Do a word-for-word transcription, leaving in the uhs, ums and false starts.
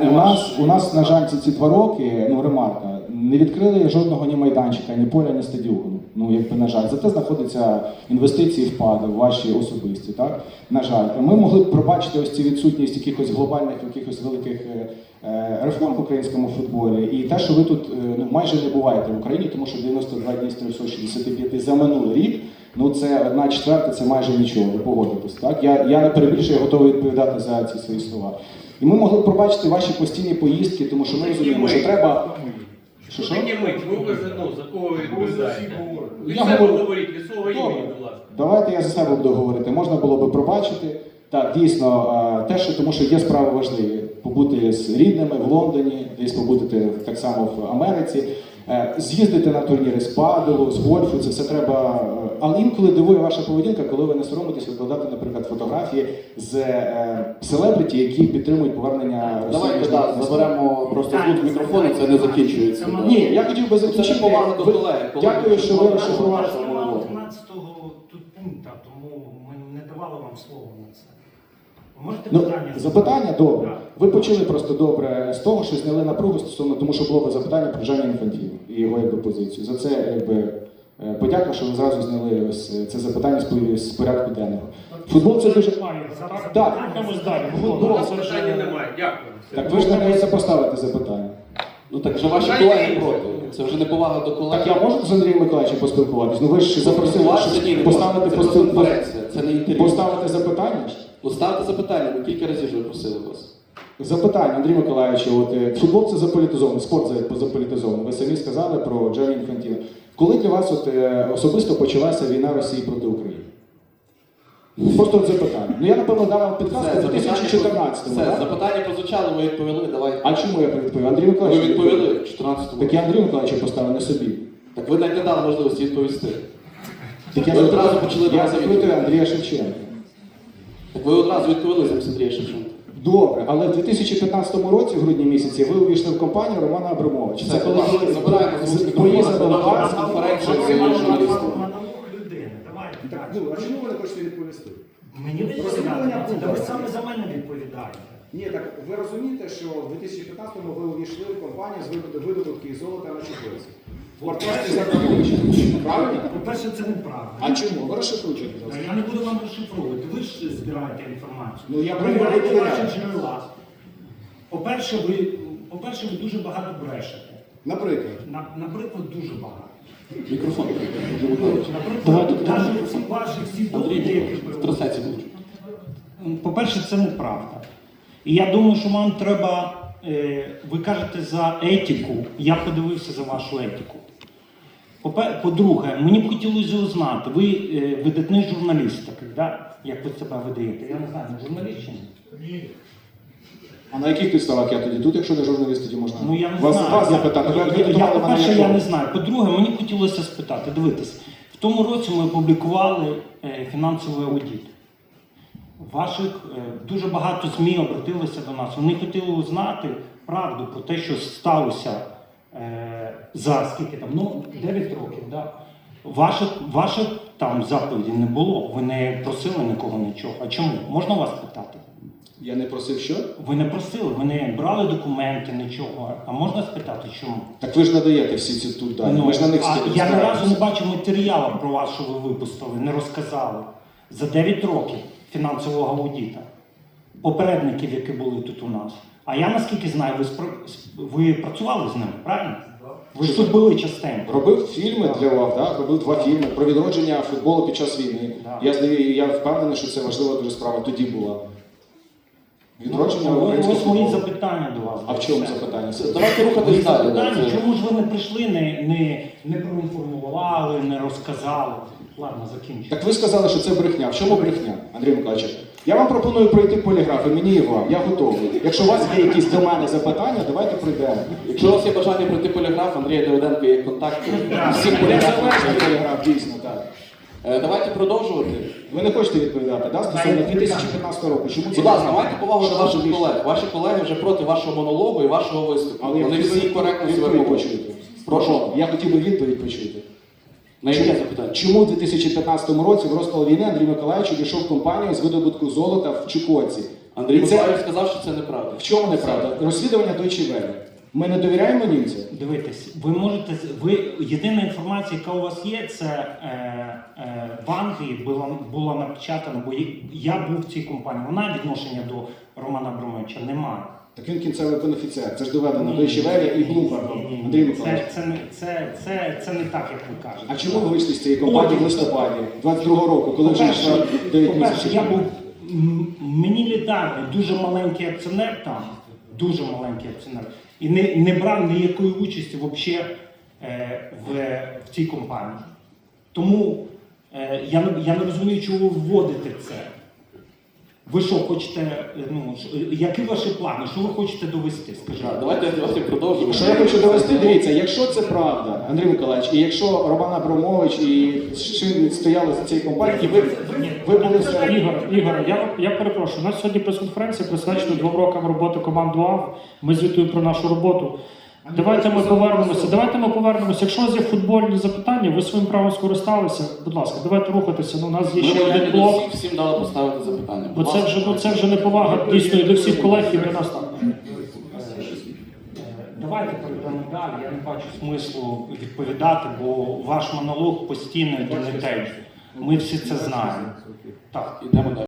у нас, у нас, на жаль, ці, ці два роки, ну, ремарка, не відкрили жодного ні майданчика, ні поля, ні стадіону. Ну, якби, на жаль. Зате знаходяться інвестиції, вклади ваші особисті, так? На жаль. Ми могли б пробачити ось ці відсутність якихось глобальних, якихось великих е, реформ в українському футболі. І те, що ви тут е, ну, майже не буваєте в Україні, тому що дев'яносто два дні з трьохсот шістдесят п'ять за минулий рік, ну це одна четверта, це майже нічого, ви погодитесь, так? Я, я не перебільшую, я готовий відповідати за ці свої слова. І ми могли б пробачити ваші постійні поїздки, тому що ми розуміємо, що треба... Що що? Такі мить, ви вже, ну, за кого ви відповідаєте? Ви Я себе говорю- говоріть, від свого імені, будь ласка. Давайте я за себе буду говорити. Можна було би пробачити. Так, дійсно, е, те, що тому що є справи важливі. Побути з рідними в Лондоні, десь побути так само в Америці, е, з'їздити на турніри з паделу, з гольфу, це все треба. е, Але інколи дивує ваша поведінка, коли ви не соромитесь викладати, наприклад, фотографії з е, селебриті, які підтримують повернення Росії. Давайте так, заберемо просто тут мікрофон, і це не закінчується. Ні, я хотів би закінчити. Це повага до Ви- колег. Дякую, що ви розшифрували. Немає одинадцятого тут пункту, тому ми не давали вам слово на це. Ви можете Ну, питання? запитання добре. Так. Ви почали просто добре з того, що зняли напругу стосовно, тому що було б запитання про Джанні Інфантіно і його якби, позицію. За це якби, е, подяка, що ви зразу зняли ось це запитання з пов- з порядку денного. Футбол це дуже... Так. Рухаємось далі. У нас питання немає. Дякую. Так ви ж не можете поставити запитання. Ну так вже ваші колеги проти. Це вже не повага до колег. Так я можу з Андрієм Миколаївичем поспілкуватись? Ну ви ж запросили, Спілкуватися, ні, не щоб поставити, це постав- просто конференція, це не інтерв'ю. поставити запитання? Поставте запитання, ми кілька разів вже просили вас. Запитання, Андрій Миколаївич, от, е, футбол це заполітизований, спорт за- заполітизований. Ви самі сказали про Джанні Інфантіно. Коли для вас от, е, особисто почалася війна Росії проти України? Просто от запитання. Ну я, напевно, дав вам підказку Все, в дві тисячі чотирнадцятому, Все, так? запитання прозвучало, ви відповіли, давайте. А чому я відповів? Андрій Ви Миколаївич, відповіли в чотирнадцятому. Так я Андрію Миколаївичу поставив, не собі. Так ви навіть не дали можливості відповісти. Так я Ви одразу запитую- почали Я одразу запитую відповідати. Андрія Шевченка. Так ви одразу відповіли замість Андрія Шевченка. Добре, але в дві тисячі п'ятнадцятому році, в грудні місяці, ви увійшли в компанію Романа Абрамовича. Це коли ви забираємо з вуст поїздили мікрофон, до вас. конференцію з На журналістами. науку людини. Давайте. Так, ну, а чому ви не хочете відповісти? Мені відповідати. Та ви саме за мене відповідаєте. Ні, так ви розумієте, що в дві тисячі п'ятнадцятому ви увійшли в компанію з видобутку- видобутки золота на Чукотці. В партнерстві з Абрамовичем. Правильно? По-перше, це неправда. А чому? Ви розшифруйте, будь Та ласка. Я не буду вам розшифровувати. Ви ж збираєте інформацію. Ну, я Перевіряйте перевіряю. ваші джерела. По-перше, ви, по-перше, ви дуже багато брешете. Наприклад. На- Наприклад, дуже багато. Мікрофон. Наприклад, навіть всі ваші всі доводи, які ви В трансляції будуть. По-перше, це неправда. І я думаю, що вам треба, е, ви кажете за етику, я подивився за вашу етику. Попе- По-друге, мені б хотілося узнати, ви е, видатний журналіст такий, да? Як ви себе видаєте? Я не знаю, ви журналіст чи ні? А на яких підставах я тоді тут, якщо не журналіст, тоді можна Ну я не вас, знаю. вас Я- запитати. Ви я, я, акредитували мене по-перше, як я не гость. знаю. По-друге, мені б хотілося спитати, дивитись, в тому році ми опублікували е, фінансовий аудит. Ваших е, дуже багато ЗМІ обратилися до нас. Вони хотіли узнати правду про те, що сталося е, за скільки там, ну, дев'ять років. Да? Ваших, ваших там заповідей не було. Ви не просили нікого нічого. А чому? Можна вас питати? Я не просив що? Ви не просили, ви не брали документи, нічого. А можна спитати, чому? Так ви ж надаєте всі ці тут дані. Ми ж на них а стільки я ні разу не стараємося. бачив матеріалу про вас, що ви випустили, не розказали. За дев'ять років фінансового аудита. Попередників, які були тут у нас. А я, наскільки знаю, ви, спра- ви працювали з ними, правильно? Ви ж тут були частенько. Робив фільми для вас, так? Робив два фільми про відродження футболу під час війни. Да. Я, здаю- я впевнений, що це важлива дуже справа тоді була. Відродження Ну, українського ось мої футболу. запитання до вас. А в чому Все. запитання? Давайте рухатись далі. да, Питання, це- чому ж ви не прийшли, не, не, не проінформували, не розказали? Ладно, закінчу. Так ви сказали, що це брехня. В чому брехня, Андрій Миколаївич? Я вам пропоную пройти поліграф, і мені і вам. Я готовий. Якщо у вас є якісь до мене запитання, давайте пройдемо. Якщо у вас є бажання пройти поліграф, Андрія Давиденко є контакти. Всім поліграфам. Незалежний поліграф, дійсно, так. Е, Давайте продовжувати. Ви не хочете відповідати, да? Стосовно дві тисячі п'ятнадцятого року. Чому це? Будь ласка, майте повагу до ваших колег. Ваші колеги вже проти вашого монологу і вашого виступу. Але я Вони хотів би всі коректно себе відповідь поводять. почути. Прошу. Я хотів би відповідь почути. На яке запитання? Чому у дві тисячі п'ятнадцятому році в розпал війни Андрій Миколаївич увійшов в компанію з видобутку золота в Чукотці? Андрій І це- Миколаївич сказав, що це неправда. В чому неправда? Розслідування Deutsche Welle. Ми не довіряємо німцям? Дивитесь, ви можете ви єдина інформація, яка у вас є, це е, е, в Англії була була напечатана, бо я був в цій компанії. Вона відношення до Романа Абрамовича немає. Так він кінцевий бенефіціар. Це ж доведено Ні, Deutsche Welle і ні, Bloomberg. ні, ні. Андрій Це, Миколаївич. це, не- це, це, це не так, як ви кажете. А чому ви вийшли з цієї компанії в листопаді двадцять другого року, коли вже По-перше, йшло дев'ять по-перше, місяців? я був м, мінілітарний, дуже маленький акціонер там, дуже маленький акціонер, і не, не брав ніякої участі взагалі е, в, в цій компанії. Тому е, я, не- я не розумію, чого ви вводите це. Ви що хочете, е, ну, ш- які ваші плани, що ви хочете довести, скажіть? Так, Давайте, давайте продовжимо. Що я хочу довести, дивіться, якщо це правда, Андрій Миколаївич, і якщо Роман Абрамович і Шин стояли за цією компанією, і ви, ви були все... Ігор, Ігор, я, я перепрошую. У нас сьогодні прес-конференція присвячена двом рокам роботи команди УАВ. Ми звітуємо про нашу роботу. Давайте ми повернемося. Давайте ми повернемося. Якщо у вас є футбольні запитання, ви своїм правом скористалися. Будь ласка, давайте рухатися. Ну, у нас є Ми ще один повинні до блок. всіх всім дали поставити запитання. Бо це вже, ну, це вже не повага дійсно і до всіх колег і до нас так. Давайте перейдемо далі. Я не бачу смислу відповідати, бо ваш монолог постійно йде не те. Ми всі це знаємо. Так. Ідемо далі.